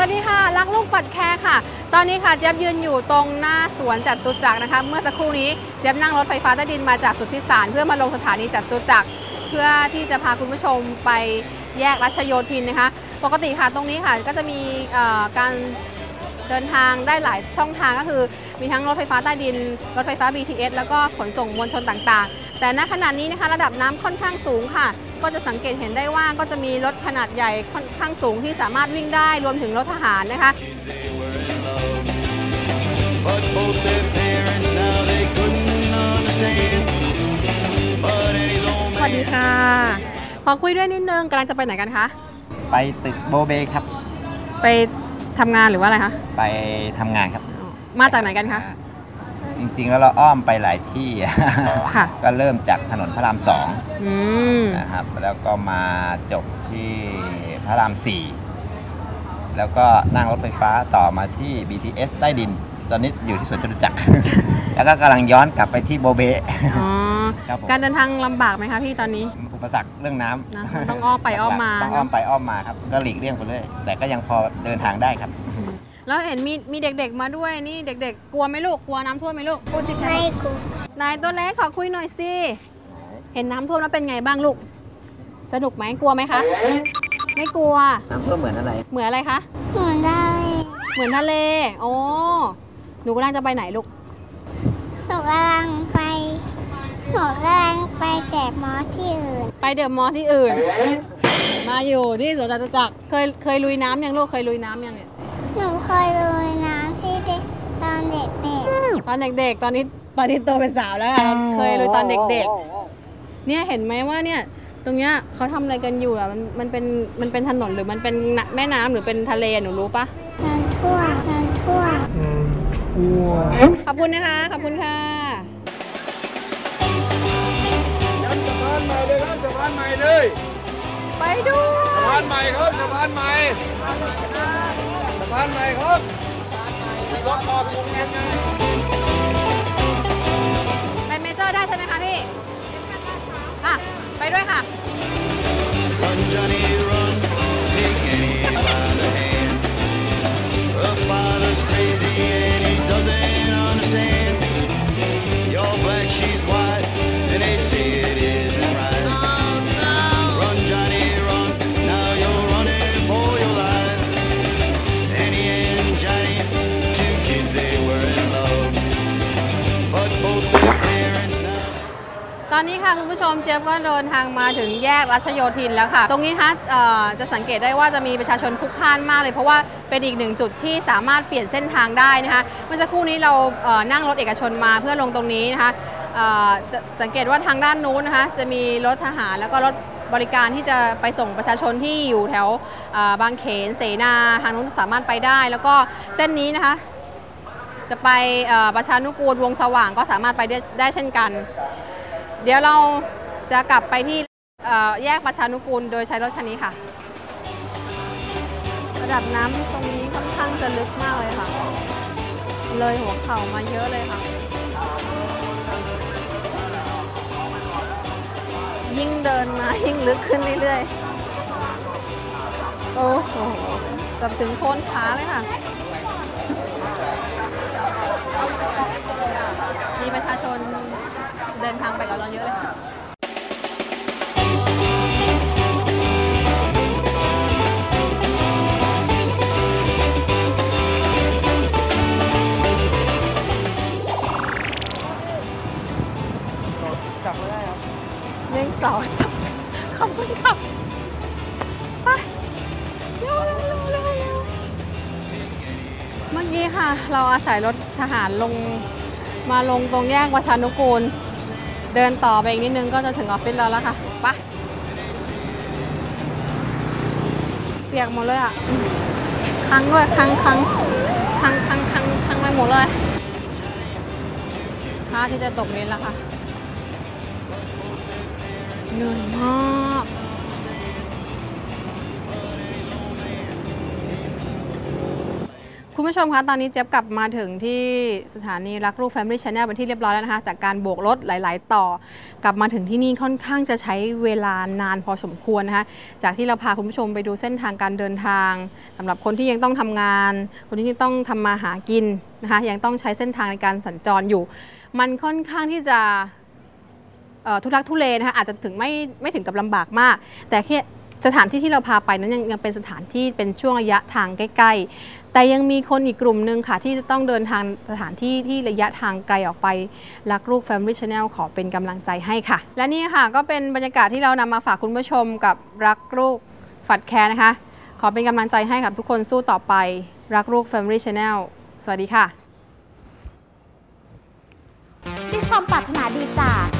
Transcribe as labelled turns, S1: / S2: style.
S1: ดีค่ะรักลูกปัดแคร์ค่ะตอนนี้ค่ะเจี๊ยบยืนอยู่ตรงหน้าสวนจตุจักรนะคะเมื่อสักครู่นี้เจี๊ยบนั่งรถไฟฟ้าใต้ดินมาจากสุทธิสารเพื่อมาลงสถานีจตุจักรเพื่อที่จะพาคุณผู้ชมไปแยกรัชโยธินนะคะปกติค่ะตรงนี้ค่ะก็จะมีการเดินทางได้หลายช่องทางก็คือมีทั้งรถไฟฟ้าใต้ดินรถไฟฟ้า BTS แล้วก็ขนส่งมวลชนต่างๆแต่ณขณะนี้นะคะระดับน้ำค่อนข้างสูงค่ะก็จะสังเกตเห็นได้ว่าก็จะมีรถขนาดใหญ่ค่อนข้างสูงที่สามารถวิ่งได้รวมถึงรถทหารนะคะสวัสดีค่ะขอคุยด้วยนิดนึงกำลังจะไปไหนกันคะ
S2: ไปตึกโบเบครับ
S1: ไปทำงานหรือว่าอะไรคะ
S2: ไปทำงานครับ
S1: มาจากไหนกันคะ
S2: จริงๆแล้วเราอ้อมไปหลายที่ก็เริ่มจากถนนพระราม2นะครับแล้วก็มาจบที่พระราม 4แล้วก็นั่งรถไฟฟ้าต่อมาที่ BTS ใต้ดินตอนนี้อยู่ที่สวนจตุจักร แล้วก็กำลังย้อนกลับไปที่โบเบ
S1: การเดินทางลำบากไหมคะพี่ตอนนี้
S2: อุปสรรคเรื่องน้ำ
S1: ต้องอ้อมไปอ้อมมา
S2: ต้องอ้อมไปอ้อมมาครับก็หลีกเลี่ยงไปเลยแต่ก็ยังพอเดินทางได้ครับ
S1: แล้วเห็นมีเด็กๆมาด้วยนี่เด็กๆกลัวไหมลูกกลัวน้ำท่วมไหมลูก
S3: ไม่กลัวน
S1: ายตัวเล็กขอคุยหน่อยสิเห็นน้ำท่วมแล้วเป็นไงบ้างลูกสนุกไหมกลัวไหมคะไม่กลัว
S2: น้ำท่วมเหมือนอะไร
S1: เหมือนอะไรคะ
S3: เหมือนทะเล
S1: เหมือนทะเลโอ้หนูกำลังจะไปไหนลูก
S3: หนูกำลังไปเดอะมอลล์ที่อื่น
S1: ไปเดอะมอลล์ที่อื่นมาอยู่ที่สวนจตุจักรเคยลุยน้ำยังลูกเคยลุยน้ำยังเนี่ย
S3: หนูเคยลุยน้ำที่ตอนเด็ก
S1: ๆตอนนี้โตเป็นสาวแล้วค่ะเคยลุยตอนเด็กๆเนี่ยเห็นไหมว่าเนี่ยตรงเนี้ยเขาทำอะไรกันอยู่อ่ะมันเป็นถนนหรือมันเป็นแม่น้ำหรือเป็นทะเลหนูรู้ปะ
S3: น้ำท่วม
S1: ขอบคุณนะคะขอบคุณค่ะ
S4: สะพานใหม่เลยครับสะพานใหม่เลย
S1: ไปดู
S4: สะพานใหม่ครับสะพานใหม่สะพานใหม่ครับรถต่อตรงนี้ไง
S1: ไปเมเจอร์ได้ใช่ไหมคะพี่อ่ะไปด้วยค่ะตอนนี้ค่ะคุณผู้ชมเจี๊ยบก็เดินทางมาถึงแยกรัชโยธินแล้วค่ะตรงนี้นะคะจะสังเกตได้ว่าจะมีประชาชนพลุกพล่านมากเลยเพราะว่าเป็นอีกหนึ่งจุดที่สามารถเปลี่ยนเส้นทางได้นะคะเมื่อสักครู่นี้เรานั่งรถเอกชนมาเพื่อลงตรงนี้นะคะจะสังเกตว่าทางด้านนู้นนะคะจะมีรถทหารแล้วก็รถบริการที่จะไปส่งประชาชนที่อยู่แถวบางเขนเสนาทางนู้นสามารถไปได้แล้วก็เส้นนี้นะคะจะไปประชานุกูลวงสว่างก็สามารถไปได้เช่นกันเดี๋ยวเราจะกลับไปที่แยกประชานุกูลโดยใช้รถคันนี้ค่ะระดับน้ำตรงนี้ค่อนข้างจะลึกมากเลยค่ะเลยหัวเข่ามาเยอะเลยค่ะยิ่งเดินมายิ่งลึกขึ้นเรื่อยๆโอ้โหเกือบถึงโคนขาเลยค่ะมีประชาชนเดินทางไปกับเราเยอะเลยค่ะ
S4: จับไม่ได้ครับ
S1: 1 2 3ขอบคุณค่ะไปเร็วเมื่อกี้ค่ะเราอาศัยรถทหารลงตรงแยกประชานุกูลเดินต่อไปอีกนิดนึงก็จะถึงออฟฟิศเราแล้วค่ะไปเปียกหมดเลยอ่ะคังด้วยคังไปหมดเลยพระอาทิตย์จะตกดินแล้วค่ะเหนื่อยมากคคุณผู้ชมคะตอนนี้เจี๊ยบกลับมาถึงที่สถานีรักลูก Family Channel เป็นที่เรียบร้อยแล้วนะคะจากการโบกรถหลายๆต่อกลับมาถึงที่นี่ค่อนข้างจะใช้เวลานานพอสมควรนะคะจากที่เราพาคุณผู้ชมไปดูเส้นทางการเดินทางสำหรับคนที่ยังต้องทำงานคนที่ยังต้องทำมาหากินนะคะยังต้องใช้เส้นทางในการสัญจรอยู่มันค่อนข้างที่จะทุลักทุเลนะคะอาจจะถึงไม่ถึงกับลำบากมากแต่แค่สถานที่ที่เราพาไปนั้นยังเป็นสถานที่เป็นช่วงระยะทางใกล้ๆแต่ยังมีคนอีกกลุ่มหนึ่งค่ะที่จะต้องเดินทางสถานที่ที่ระยะทางไกลออกไปรักลูก Family Channel ขอเป็นกำลังใจให้ค่ะและนี่ค่ะก็เป็นบรรยากาศที่เรานำมาฝากคุณผู้ชมกับรักลูกฝัดแคร์นะคะขอเป็นกำลังใจให้กับทุกคนสู้ต่อไปรักลูก Family Channel สวัสดีค่ะ
S5: ด้วยความปรารถนาดีจาก